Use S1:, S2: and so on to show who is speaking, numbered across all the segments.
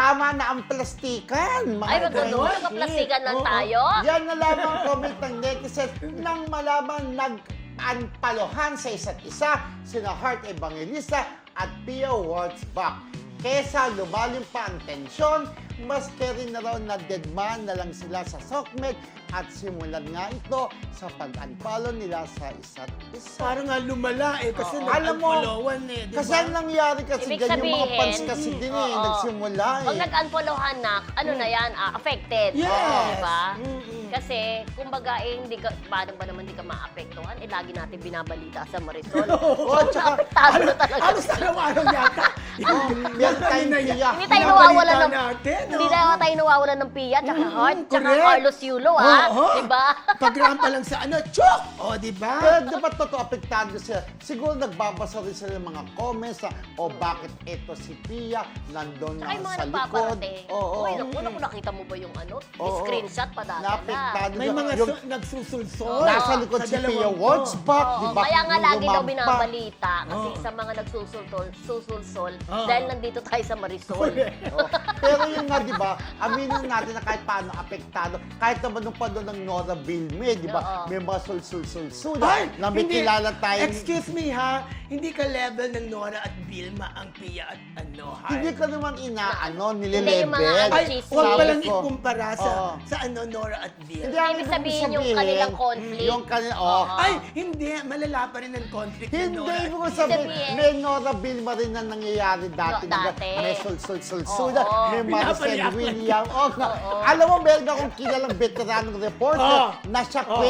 S1: tama na ang plastikan.
S2: Ay, magandang
S1: Beshi.
S2: plastikan lang
S1: Oo.
S2: tayo.
S1: Yan na lamang comment ng netizens nang malaman nag-anpalohan sa isa't isa sina Heart Evangelista at Pia Wurtzbach. Kesa lumalim pa ang tensyon, maski rin na raw na deadman na lang sila sa Sokmed at simulan nga ito sa pag-unfollow nila sa isa't isa.
S3: Parang nga lumala kasi
S1: Alam mo,
S3: nag-unfollowan di
S1: kasi
S3: ba?
S1: ang nangyari kasi
S2: Ibig
S1: ganyan, yung mga
S2: sabihin,
S1: fans kasi din
S2: oo.
S1: nagsimula
S2: Pag nag-unfollowan na, ano na yan, affected.
S3: Yes.
S2: Diba?
S3: Mm-mm.
S2: Kasi, kumbaga, hindi ka, paano ba naman hindi ka maapektuhan? Lagi natin binabalita sa Marisol.
S1: Oo, tsaka,
S2: Apektado na talaga.
S3: Halos araw-araw yata.
S1: meron tayong tiya.
S2: Hindi tayo nawawalan ng,
S3: natin,
S2: hindi na tayo nawawalan ng Pia, tsaka Heart, tsaka
S3: correct.
S2: Carlos Yulo, ha?
S3: Oo.
S2: Diba?
S3: Pagrampa lang sa chok! O, di ba?
S1: Pero di ba totoo, apektado sila? Siguro nagbabasa rin sila ng mga comments na, bakit ito si Pia, nandun
S2: Tsaka yung
S1: na
S2: mga
S1: sa likod.
S2: nagpaparating.
S1: Oo.
S2: Uy, naku, nakita mo ba yung
S1: Oo.
S2: screenshot pa dala
S1: Naapektado
S3: May
S1: na.
S3: mga
S1: Yung
S3: nagsusulsol.
S1: nasa likod si Pia
S3: dalawang to.
S1: Wurtzbach, di ba?
S2: Kaya nga
S1: Nung
S2: lagi daw
S1: lumampa.
S2: binabalita kasi
S3: Oo.
S2: sa mga susulsol
S3: Oo.
S2: dahil nandito tayo sa Marisol.
S1: Oo. Pero yun nga, di ba, aminin natin na kahit paano apektado, kahit naman nung panahon ng Nora Bilme, di ba,
S2: Oo.
S1: may mga sul-sul-sul-sul
S3: Ay,
S1: na may
S3: hindi.
S1: kilala tayo.
S3: Excuse me ha, hindi ka level ng Nora at Vilma ang Pia at Heart.
S1: Hindi ko naman inaano,
S2: Hindi, yung mga
S1: nililebel.
S3: Ay,
S2: chismis.
S3: huwag palang
S1: Sabi ko,
S3: ikumpara
S1: oo.
S3: sa Nora at
S1: Hindi,
S3: Vilma.
S1: ang
S2: Ibig
S1: ibig
S2: sabihin yung kanilang conflict.
S1: Yung kanila, oh.
S3: Ay, hindi. Malala pa rin ang conflict ng
S1: Hindi,
S3: Nora at
S1: ibig ko
S3: Vilma.
S1: sabihin,
S2: Sabihin.
S1: may Nora Bilma rin na nangyayari dati.
S2: No, dati.
S1: May sul-sul-sul-sul,
S2: Oo.
S1: may Maricel
S3: Pinapayak.
S1: William. Oh,
S2: Oo.
S1: alam mo, meron akong kilalang veteranong reporter
S3: Oo.
S1: na siya
S3: Oo.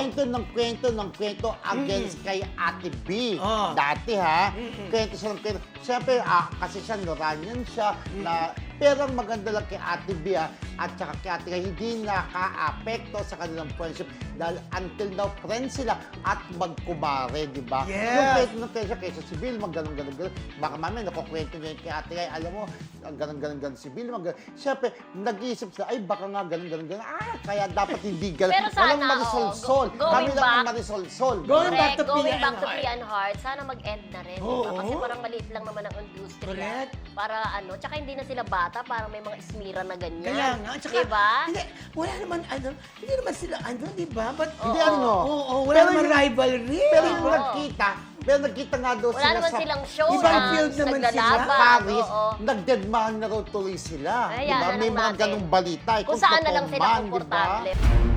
S1: kwento against kay Ate B.
S3: Oo.
S1: Dati ha, kwento siya ng kwento. Siyempre, kasi siya, Noranian siya, na pero ang maganda lang kay Ate B at saka kay Ate Kay, hindi naka-apekto sa kanilang friendship dahil until now friends sila at magkumare, di ba?
S3: Yes.
S1: Yung kwento ng kaysa si Bill, ganun. Baka mamaya nakukwento niya yung kay Ate Kay, alam mo, ganun si Bill, Siyempre, nag-iisip sila, ay baka nga ganun. Kaya dapat hindi ganun.
S2: Pero sana,
S1: Walang Marisol-sol.
S2: going
S1: Kami lang ang
S2: back-
S1: Marisol-sol.
S3: Going back to
S2: Going
S3: Pia
S2: back
S3: and
S2: to
S3: Heart.
S2: Pia and Heart, sana mag-end na rin.
S3: Oo.
S2: Diba? Kasi parang maliit lang naman ang industriya.
S3: Correct.
S2: Para tsaka hindi na sila bata, parang may mga ismira na ganyan.
S3: Kaya nga, tsaka,
S2: Diba?
S3: hindi, wala naman, hindi naman sila, di ba? But,
S1: Hindi ano.
S3: Oo, wala
S1: Pero
S3: naman
S1: yung-
S3: rivalry.
S1: Pero yung
S2: Oo.
S1: nagkita nga daw
S2: Wala
S1: sila
S2: naman
S1: sa
S2: silang show
S3: Ibang
S2: na
S3: field naman sila.
S2: naglalaban.
S1: Paris,
S2: Oo.
S1: nagdeadman na raw tuloy sila.
S2: Kaya
S1: Diba?
S2: na
S1: May
S2: lang
S1: mga
S2: natin.
S1: ganong balita.
S2: Kung saan na lang
S1: totoo
S2: sila
S1: man, diba?
S2: komportable.